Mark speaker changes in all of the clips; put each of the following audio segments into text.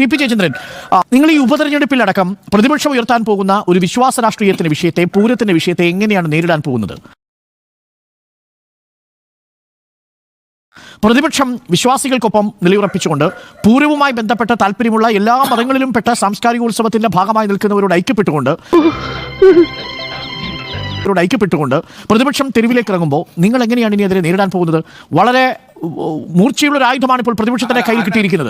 Speaker 1: P Jayachandran, നിങ്ങൾ ഈ ഉപതെരഞ്ഞെടുപ്പിലടക്കം പ്രതിപക്ഷം ഉയർത്താൻ പോകുന്ന ഒരു വിശ്വാസ രാഷ്ട്രീയത്തിന്റെ വിഷയത്തെ, പൂരത്തിന്റെ വിഷയത്തെ എങ്ങനെയാണ് നേരിടാൻ പോകുന്നത്? പ്രതിപക്ഷം വിശ്വാസികൾക്കൊപ്പം നിലയുറപ്പിച്ചുകൊണ്ട് പൂരവുമായി ബന്ധപ്പെട്ട താല്പര്യമുള്ള എല്ലാ മതങ്ങളിലും പെട്ട സാംസ്കാരികോത്സവത്തിന്റെ ഭാഗമായി നിൽക്കുന്നവരോട് ഐക്യപ്പെട്ടുകൊണ്ട് പ്രതിപക്ഷം തെരുവിലേക്ക് ഇറങ്ങുമ്പോൾ നിങ്ങൾ എങ്ങനെയാണ് ഇനി അതിനെ നേരിടാൻ പോകുന്നത്? വളരെ മൂർച്ചയുള്ള ഒരു ആയുധമാണ് ഇപ്പോൾ പ്രതിപക്ഷത്തിന്റെ കയ്യിൽ കിട്ടിയിരിക്കുന്നത്.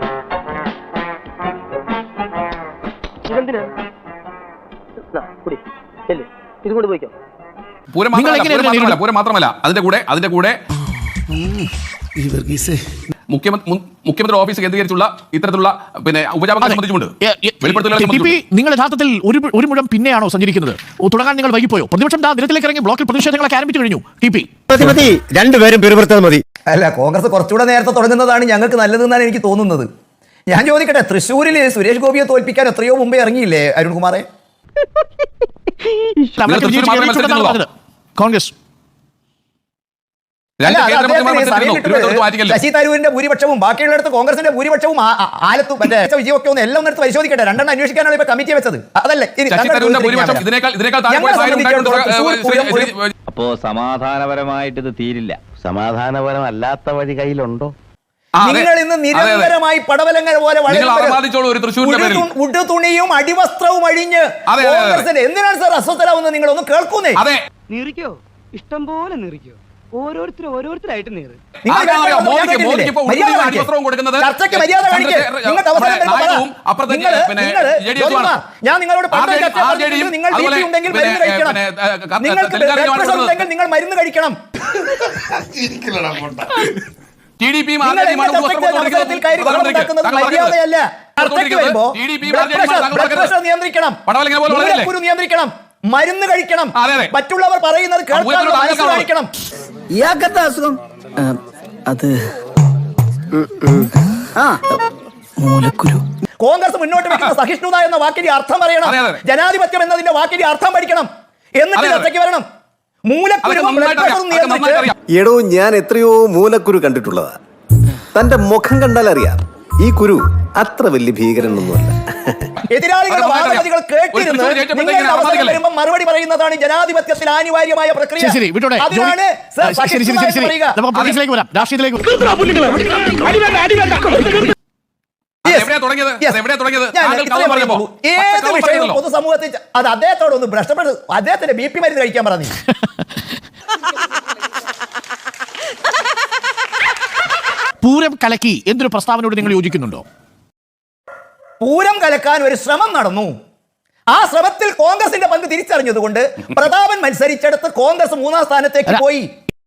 Speaker 2: പൂരം മാത്രമല്ല, അതിന്റെ കൂടെ മുഖ്യമന്ത്രി ഓഫീസ് കേന്ദ്രീകരിച്ചുള്ള ഇത്തരത്തിലുള്ള ഉപജാപങ്ങളെ സംബന്ധിച്ചുണ്ട്.
Speaker 1: നിങ്ങൾ യഥാർത്ഥത്തിൽ ഒരു മുഴം പിന്നെയാണോ സഞ്ചരിക്കുന്നത്? തുടങ്ങാൻ നിങ്ങൾ വൈകിപ്പോയോ? പ്രതിപക്ഷം നിരത്തിലേക്ക് ഇറങ്ങി ബ്ലോക്കിൽ പ്രതിഷേധങ്ങളൊക്കെ ആരംഭിച്ചു കഴിഞ്ഞു.
Speaker 3: രണ്ടുപേരും പെരുമാറുന്നത് മതി.
Speaker 4: അല്ല, കോൺഗ്രസ് കുറച്ചുകൂടെ നേരത്തെ തുടങ്ങുന്നതാണ് ഞങ്ങൾക്ക് നല്ലതെന്നാണ് എനിക്ക് തോന്നുന്നത്. ഞാൻ ചോദിക്കട്ടെ, തൃശ്ശൂരിൽ സുരേഷ് ഗോപിയെ തോൽപ്പിക്കാൻ എത്രയോ മുമ്പേ ഇറങ്ങിയില്ലേ അരുൺകുമാറെ?
Speaker 1: കോൺഗ്രസ്
Speaker 4: ശശി തരൂരിന്റെ ഭൂരിപക്ഷവും ബാക്കിയുള്ളിടത്ത് കോൺഗ്രസിന്റെ ഭൂരിപക്ഷവും ആലത്തും മറ്റേ വിജയമൊക്കെ ഒന്ന് എല്ലാം എടുത്ത് പരിശോധിക്കട്ടെ. രണ്ടെണ്ണം അന്വേഷിക്കാനാണ് ഇപ്പൊ കമ്മിറ്റി വെച്ചത്. അതല്ലേ
Speaker 5: അപ്പോ സമാധാനപരമായിട്ട് ഇത് തീരില്ല. സമാധാനപരമല്ലാത്ത വഴി കയ്യിലുണ്ടോ?
Speaker 4: നിങ്ങൾ ഇന്ന് നിരന്തരമായി പടവലങ്ങൾ പോലെ ഉടുതുണിയും അടിവസ്ത്രവും അഴിഞ്ഞ് കോൺഗ്രസിന്റെ എന്തിനാണ് സാർ അസ്വസ്ഥരാവുന്നത്? നിങ്ങളൊന്ന് കേൾക്കുന്നേ.
Speaker 6: നീറിക്കോ, ഇഷ്ടം പോലെ നീറിക്കോ, ഓരോരുത്തരായിട്ട് നീറ്.
Speaker 4: ഞാൻ നിങ്ങളോട് നിങ്ങൾ മരുന്ന് കഴിക്കണം. മര്യാദയല്ല. നിയന്ത്രിക്കണം, നിയന്ത്രിക്കണം, മരുന്ന് കഴിക്കണം, മറ്റുള്ളവർ പറയുന്നത് കേൾക്കണം.
Speaker 3: ഇയാൾക്കത്തെ അസുഖം അത് മൂലക്കുരു. കോൺഗ്രസ് മുന്നോട്ട് വെക്കുന്ന സഹിഷ്ണുത എന്ന വാക്കിന്റെ അർത്ഥം അറിയണം. ജനാധിപത്യം എന്നതിന്റെ വാക്കിന്റെ അർത്ഥം പഠിക്കണം. എന്നിട്ട് ചർച്ചയ്ക്ക് വരണം.
Speaker 7: എടോ, ഞാൻ എത്രയോ മൂലക്കുരു കണ്ടിട്ടുള്ളതാ. തന്റെ മുഖം കണ്ടാൽ അറിയാം ഈ കുരു അത്ര വലിയ ഭീകരനൊന്നുമല്ല.
Speaker 4: എതിരാളികളുടെ വാദഗതികൾ കേട്ടിരുന്ന് നിങ്ങളുടെ അവസരം വരുമ്പോൾ മറുപടി പറയുന്നതാണ് ജനാധിപത്യത്തിൽ അനിവാര്യമായ പ്രക്രിയ. അതിനാണ് ഏത് വിഷയവും പൊതുസമൂഹത്തിൽ അത് അദ്ദേഹത്തോടൊന്ന് ഭ്രഷ്ടപ്പെട്ട് അദ്ദേഹത്തിന്റെ BP മരുന്ന് കഴിക്കാൻ പറഞ്ഞു.
Speaker 1: പൂരം കലക്കി എന്തൊരു പ്രസ്താവനയോട് നിങ്ങൾ യോജിക്കുന്നുണ്ടോ?
Speaker 4: പൂരം കലക്കാൻ ഒരു ശ്രമം നടന്നു. ആ ശ്രമത്തിൽ കോൺഗ്രസിന്റെ പങ്ക് തിരിച്ചറിഞ്ഞതുകൊണ്ട് പ്രതാപൻ മത്സരിച്ചെടുത്ത് കോൺഗ്രസ് 3ാം സ്ഥാനത്തേക്ക് പോയി.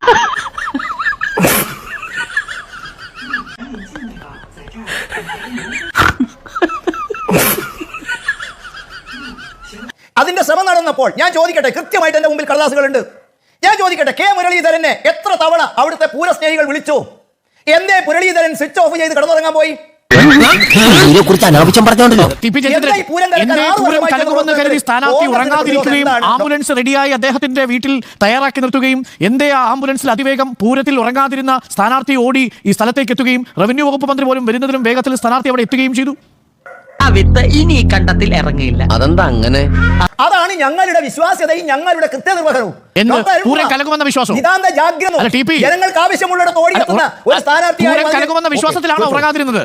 Speaker 4: അതിന്റെ ശ്രമം നടന്നപ്പോൾ ഞാൻ ചോദിക്കട്ടെ, കൃത്യമായിട്ട് എന്റെ മുമ്പിൽ കടലാസുകളുണ്ട്. ഞാൻ ചോദിക്കട്ടെ, കെ മുരളീധരനെ എത്ര തവണ അവിടുത്തെ പൂരസ്നേഹികൾ വിളിച്ചു? എന്തേ മുരളീധരൻ സ്വിച്ച് ഓഫ് ചെയ്ത് കിടന്നുറങ്ങാൻ പോയി?
Speaker 1: സ്ഥാനാർത്ഥി ഉറങ്ങാതിരിക്കുകയും ആംബുലൻസ് റെഡിയായി അദ്ദേഹത്തിന്റെ വീട്ടിൽ തയ്യാറാക്കി നിർത്തുകയും എന്തേ ആ ആംബുലൻസിൽ അതിവേഗം പൂരത്തിൽ ഉറങ്ങാതിരുന്ന സ്ഥാനാർത്ഥി ഓടി ഈ സ്ഥലത്തേക്ക് എത്തുകയും റവന്യൂ വകുപ്പ് മന്ത്രി പോലും വരുന്നതിലും വേഗത്തിൽ സ്ഥാനാർത്ഥി അവിടെ എത്തുകയും ചെയ്തു.
Speaker 6: ഇനി കണ്ടത്തിൽ ഇറങ്ങിയില്ല.
Speaker 3: അതെന്താ അങ്ങനെ?
Speaker 4: അതാണ് ഞങ്ങളുടെ വിശ്വാസ്യതയും ഞങ്ങളുടെ കൃത്യനിർവഹണവും. ജനങ്ങൾക്ക് ആവശ്യമുള്ളിടത്ത് ഓടിയെത്തുന്ന ഒരു സ്ഥാനാർത്ഥിയായി
Speaker 1: വിശ്വാസത്തിലാണ് ഉറങ്ങാതിരുന്നത്.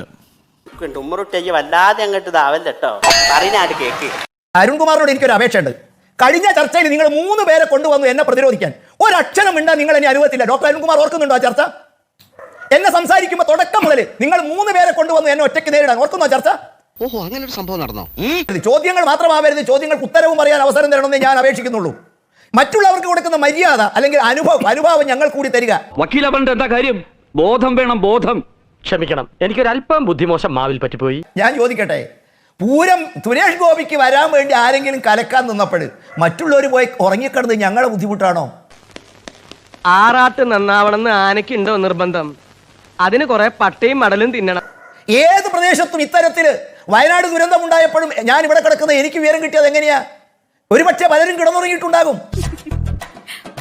Speaker 4: അരുൺകുമാറിനോട് എനിക്കൊരു അപേക്ഷയുണ്ട്. കഴിഞ്ഞ ചർച്ചയിൽ നിങ്ങൾ 3 പേരെ കൊണ്ടുവന്നു എന്നെ പ്രതിരോധിക്കാൻ. ഒരക്ഷരം മിണ്ടാൻ നിങ്ങൾ എന്നെ അനുവദിച്ചില്ല. ഡോക്ടർ അരുൺകുമാർ ഓർക്കുന്നുണ്ടോ ആ ചർച്ച? എന്നെ സംസാരിക്കുമ്പോൾ തുടക്കം മുതൽ നിങ്ങൾ 3 പേരെ കൊണ്ടുവന്നു എന്നെ ഒറ്റയ്ക്ക് നേരിടാൻ. ഓർക്കുന്നോ ചർച്ച?
Speaker 3: ഓഹോ, അങ്ങനെ ഒരു സംഭവം നടന്നോ?
Speaker 4: ചോദ്യങ്ങൾ മാത്രമാവരുത്, ചോദ്യങ്ങൾക്ക് ഉത്തരവും പറയാൻ അവസരം തരണമെന്നേ ഞാൻ അപേക്ഷിക്കുന്നുള്ളൂ. മറ്റുള്ളവർക്ക് കൊടുക്കുന്ന മര്യാദ അല്ലെങ്കിൽ അനുഭവം ഞങ്ങൾ കൂടി തരിക.
Speaker 8: വക്കീല പറഞ്ഞിട്ട് എന്താ കാര്യം? ബോധം വേണം, ബോധം. ക്ഷമിക്കണം, എനിക്കൊരല്പം ബുദ്ധിമോശം മാവിൽ പറ്റിപ്പോയി.
Speaker 4: ഞാൻ ചോദിക്കട്ടെ, പൂരം സുരേഷ് ഗോപിക്ക് വരാൻ വേണ്ടി ആരെങ്കിലും കലക്കാൻ നിന്നപ്പോൾ മറ്റുള്ളവർ പോയി ഉറങ്ങിക്കിടന്ന് ഞങ്ങളെ ബുദ്ധിമുട്ടാണോ?
Speaker 6: ആറാട്ട് നന്നാവണമെന്ന് ആനയ്ക്കുണ്ടോ നിർബന്ധം? അതിന് കുറെ പട്ടയും മടലും തിന്നണം.
Speaker 4: ഏത് പ്രദേശത്തും ഇത്തരത്തിൽ വയനാട് ദുരന്തം ഉണ്ടായപ്പോഴും ഞാൻ ഇവിടെ കിടക്കുന്ന എനിക്ക് വിവരം കിട്ടിയത് എങ്ങനെയാ? ഒരുപക്ഷെ പലരും കിടന്നുറങ്ങിയിട്ടുണ്ടാകും.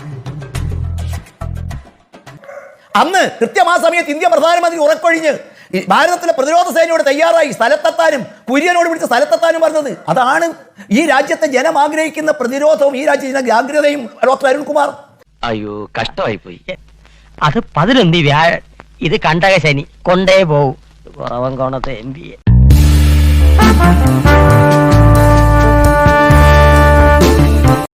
Speaker 4: അന്ന് കൃത്യമാ സമയത്ത് ഇന്ത്യ പ്രധാനമന്ത്രി ഉറക്കൊഴിഞ്ഞ് ഈ ഭാരതത്തിലെ പ്രതിരോധ സേനയോട് തയ്യാറായി സ്ഥലത്തെത്താനും കുര്യനോട് വിളിച്ച് സ്ഥലത്തെത്താനും പറഞ്ഞത്. അതാണ് ഈ രാജ്യത്തെ ജനം ആഗ്രഹിക്കുന്ന പ്രതിരോധവും ഈ രാജ്യത്തെ ജാഗ്രതയും. ഡോക്ടർ അരുൺകുമാർ,
Speaker 5: അയ്യോ കഷ്ടമായി പോയി.
Speaker 6: അത് 11 വ്യാഴം, ഇത് കണ്ടക ശനി കൊണ്ടേ പോവും. കുറവൻ കോണത്തെ MBA.